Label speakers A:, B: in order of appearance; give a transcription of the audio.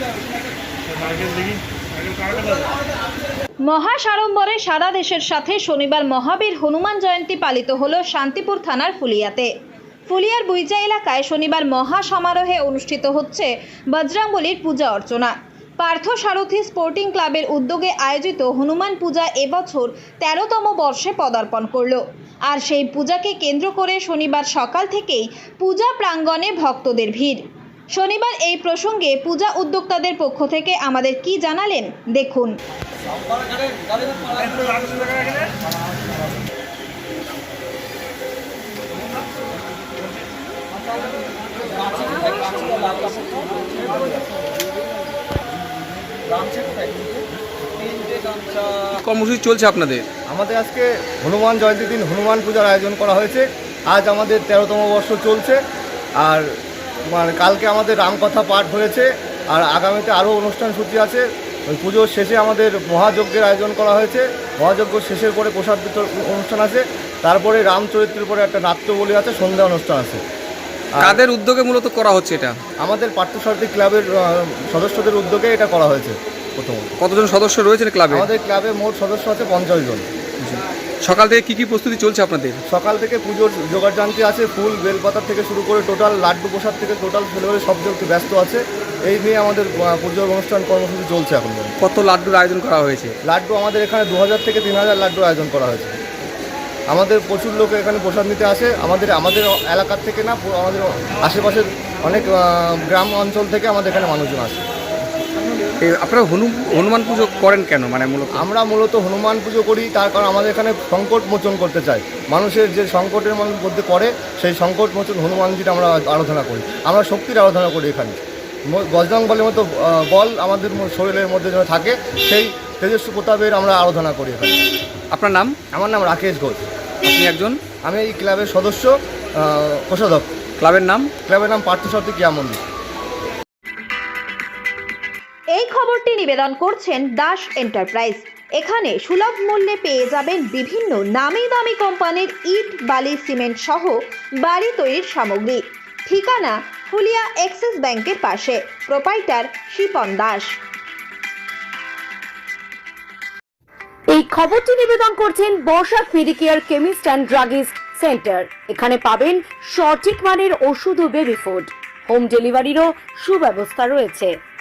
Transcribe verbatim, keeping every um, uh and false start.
A: মহাসাড়ম্বরে সারা দেশের সাথে শনিবার মহাবীর হনুমান জয়ন্তী পালিত হল শান্তিপুর থানার ফুলিয়াতে। ফুলিয়ার বুইজা এলাকায় শনিবার মহা সমারোহে অনুষ্ঠিত হচ্ছে বজরংবলীর পূজা অর্চনা। পার্থ সারথী স্পোর্টিং ক্লাবের উদ্যোগে আয়োজিত হনুমান পূজা এবছর তেরোতম বর্ষে পদার্পণ করল। আর সেই পূজাকে কেন্দ্র করে শনিবার সকাল থেকেই পূজা প্রাঙ্গণে ভক্তদের ভিড়। শনিবার এই প্রসঙ্গে পূজা উদ্যোক্তাদের পক্ষ থেকে আমাদের কি জানালেন দেখুন।
B: কর্মসূচি চলছে আপনাদের?
C: আমাদের আজকে হনুমান জয়ন্তী দিন হনুমান পূজার আয়োজন করা হয়েছে। আজ আমাদের তেরোতম বর্ষ চলছে। আর মানে কালকে আমাদের রামকথা পাঠ হয়েছে। আর আগামীতে আরও অনুষ্ঠান সূচি আছে। ওই পুজোর শেষে আমাদের মহাযজ্ঞের আয়োজন করা হয়েছে। মহাযজ্ঞ শেষের পরে প্রসাদ বিতরণ অনুষ্ঠান আছে। তারপরে রামচরিত্রের পরে একটা নাট্য বলি আছে, সন্ধ্যা অনুষ্ঠান আছে।
B: কাদের উদ্যোগে মূলত করা হচ্ছে এটা?
C: আমাদের পার্থসারথী ক্লাবের সদস্যদের উদ্যোগে এটা করা হয়েছে। প্রথমত
B: কতজন সদস্য রয়েছেন ক্লাবে?
C: আমাদের ক্লাবে মোট সদস্য আছে পঞ্চাশ জন।
B: সকাল থেকে কি কি প্রস্তুতি চলছে আপনাদের?
C: সকাল থেকে পুজোর জোগাড়যন্ত্রী আছে, ফুল বেলপাতা থেকে শুরু করে টোটাল লাড্ডু প্রসাদ থেকে টোটাল ছেলেমেলে সব একটু ব্যস্ত আছে। এই নিয়ে আমাদের পুজোর অনুষ্ঠান কর্মসূচি চলছে এখন।
B: কত লাড্ডুর আয়োজন করা হয়েছে?
C: লাড্ডু আমাদের এখানে দু হাজার থেকে তিন হাজার লাড্ডুর আয়োজন করা হয়েছে। আমাদের প্রচুর লোক এখানে প্রসাদ নিতে আসে। আমাদের আমাদের এলাকার থেকে না, আমাদের আশেপাশের অনেক গ্রাম অঞ্চল থেকে আমাদের এখানে মানুষজন আসে।
B: আপনারা হনু হনুমান পুজো করেন কেন? মানে মূলত
C: আমরা মূলত হনুমান পুজো করি তার কারণ আমাদের এখানে সংকট মোচন করতে চাই। মানুষের যে সংকটের মধ্যে পড়ে সেই সংকট মোচন হনুমানজিটা আমরা আরাধনা করি। আমরা শক্তির আরাধনা করি এখানে। বজরং বলের মতো বল আমাদের শরীরের মধ্যে যেন থাকে, সেই তেজস্বী প্রতাপের আমরা আরাধনা করি এখানে।
B: আপনার নাম?
C: আমার নাম রাকেশ ঘোষ।
B: আপনি একজন?
C: আমি এই ক্লাবের সদস্য, কোষাধ্যক্ষ।
B: ক্লাবের নাম?
C: ক্লাবের নাম পার্থসারথী ক্রিয়া মন্দির।
A: এই খবরটি নিবেদন করছেন দাস এন্টারপ্রাইজ। এখানে সুলভ মূল্যে পেয়ে যাবেন বিভিন্ন নামি দামি কোম্পানির ইট, বালি, সিমেন্ট সহ বাড়ি তৈরির সামগ্রী। ঠিকানা ফুলিয়া এক্সিস ব্যাংকের পাশে। প্রোপাইটার শিপন দাস।
D: এই খবরটি নিবেদন করছেন Barsha medicare chemist and druggist centre. এখানে পাবেন সঠিক মানের ওষুধ ও বেবি ফুড। হোম ডেলিভারিরও সুব্যবস্থা রয়েছে।